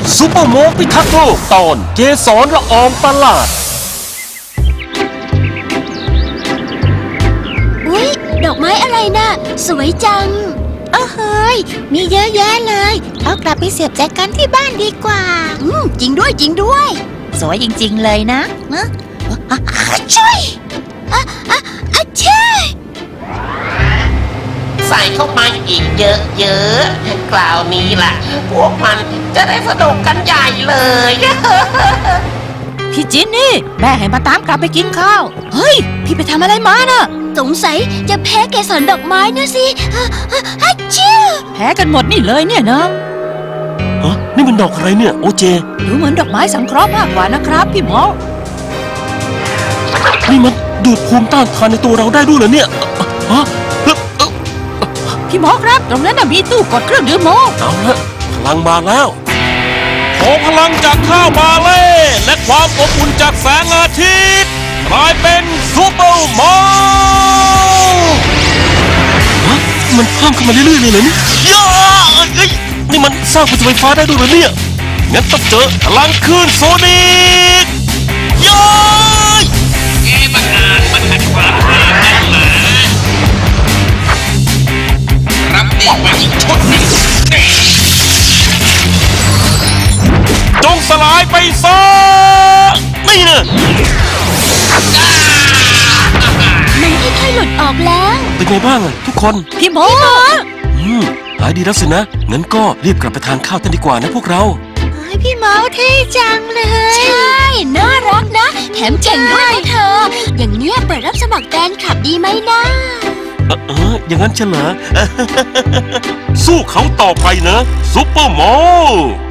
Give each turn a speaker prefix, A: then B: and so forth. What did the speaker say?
A: ซูเปอร์โมพิทักษ์โลกตอนเกสรละอองประหลาด
B: อุ๊ยดอกไม้อะไรน่ะสวยจังเฮ้ยมีเยอะแยะเลยเอากลับไปเสียบแจกันที่บ้านดีกว่าจริงด้วยจริงด้วยสวยจริงๆเลยนะช่วยช่วย
C: ใส่เข้ามาอีกเยอะๆคราวนี้ล่ะพวกมันจะได้สนุกกันใหญ่เลย
D: พี่จินนี่แม่ให้มาตามกลับไปกินข้าวเฮ้ยพี่ไปทำอะไรมาน่ะ
B: สงสัยจะแพ้เกสรดอกไม้นะสิชื่อ
D: แพ้กันหมดนี่เลยเนี่ยเนาะ
A: นี่มันดอกอะไรเนี่ยโอเจ
D: ดูเหมือนดอกไม้สังเคราะห์มากกว่านะครับพี่หมอ
A: นี่มันดูดภูมิต้านทานในตัวเราได้ด้วยเหรอเนี่ย
D: พี่หมอครับตรงนั้นมีตู้กดเครื่องดื่มโม
A: เอาละพลังมาแล้วขอพลังจากข้าวมาเล่และความอบอุ่นจากแสงอาทิตย์กลายเป็นซูเปอร์โมมันเพิ่มขึ้นมาเรื่อยๆเลยเหรอเนี่ยนี่มันสร้างพลังไฟฟ้าได้ด้วยเหรอเนี่ยงั้นต้องเจอพลังคลื่นโซนิก
C: มันขัดความแรงกันหมารับนี่มาอีกชุดนึง
A: จงสลายไปซะนี่นะ
B: มันค่อยๆหลุดออกแล้ว
A: เป็นไงบ้างทุกคน
D: พี่หมอ
A: หายดีแล้วสินะงั้นก็รีบกลับไปทานข้าวกันดีกว่านะพวกเรา
B: พี่หมอเท่จังเลยใช่น่ารักนะแถมเก่งด้วยนะเธออย่างเนี้ยเปิดรับสมัครแฟนคลับดีไหมนะ
A: อย่างนั้นเฉลยสู้เขาต่อไปนะซุปเปอร์โม